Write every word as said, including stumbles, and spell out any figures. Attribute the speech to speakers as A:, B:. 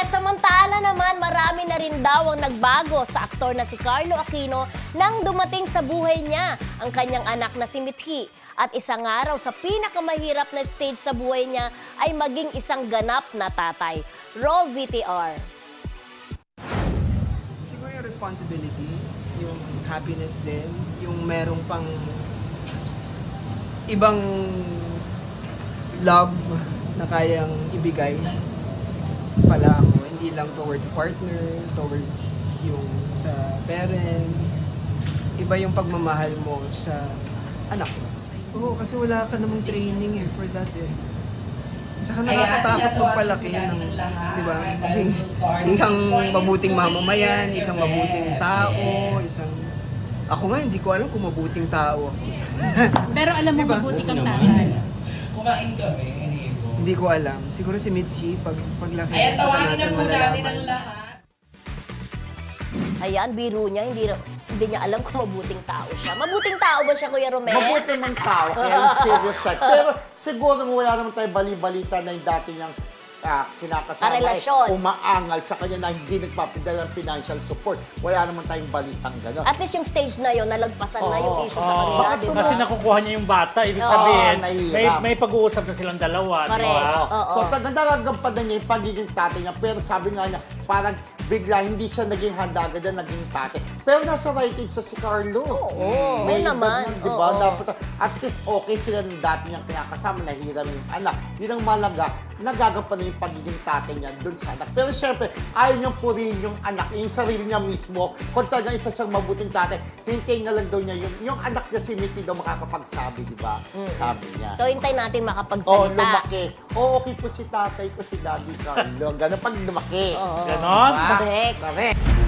A: Samantala naman, marami na rin daw ang nagbago sa aktor na si Carlo Aquino nang dumating sa buhay niya ang kanyang anak na si Mithi. At isang araw sa pinakamahirap na stage sa buhay niya ay maging isang ganap na tatay. Roll V T R.
B: Siguro yung responsibility, yung happiness din, yung merong pang ibang love na kayang ibigay pala ako. Hindi lang towards partner, towards yung sa parents. Iba yung pagmamahal mo sa anak mo. Oo, kasi wala ka namang training eh for that eh. Tsaka nakakatakot magpalaki ng, di ba, maging isang mabuting mamamayan, isang mabuting tao, isang... Ako nga, hindi ko alam kung mabuting tao ako.
C: Pero alam mo,
B: Diba?
C: mabuti kang tatay.
D: Kumain kami, iniibo.
B: Hindi ko alam. Siguro si Mitchie, pag, paglaki,
D: Ayan,
B: tsaka
D: tawagin na
B: natin
D: po natin ang
B: malalaman.
D: lahat.
A: Ayan, biro niya, hindi, hindi niya alam kung mabuting tao siya. Mabuting tao ba siya, Kuya Romel?
E: Mabuti mang tao, kaya yung serious type. Pero siguro wala naman tayo bali-balita na yung dati niyang ah, kinakasama
A: Ah, relasyon.
E: ay umaangal sa kanya na hindi nagpapadala ng financial support. Wala naman tayong balitang gano'n.
A: At least yung stage na yun, nalagpasan na yung
E: Oo.
A: issue sa
F: Oo.
A: kanila,
E: Bakit
A: di ba?
F: Kasi nakukuha niya yung bata, ibig
E: Oo,
F: sabihin, may,
E: nahihirap.
F: may pag-uusap na silang dalawa, di
A: Correct.
F: ba?
A: Oo.
E: So, taga nagagampanan niya yung pagiging tatay niya. Pero sabi nga niya, parang bigla hindi siya naging handa agad na naging tatay. Pero nasa right age sa si Carlo.
A: Oo,
E: May
A: oo
E: edad
A: naman.
E: yan, di ba?
A: Oo.
E: Dapat, at least okay sila ng dati niyang kinakasama, nahiram yung anak. Yun ang malaga, nagagampanan yung pagiging tatay niya dun sa anak. Pero syempre, ayaw niyang purihin yung anak, yung sarili niya mismo. Kung talagang isa siyang mabuting tatay, hintayin na lang daw niya yung, yung anak niya si Mickey daw makakapagsabi, di ba? Sabi niya.
A: So, hintay natin
E: Oh,
A: makapagsalita.
E: lumaki. Oh, okay po si tatay ko, si Daddy Carlo. Ganun pag lumaki.
A: Oo.
F: Ganon?
E: Diba?
A: Correct.
E: Correct.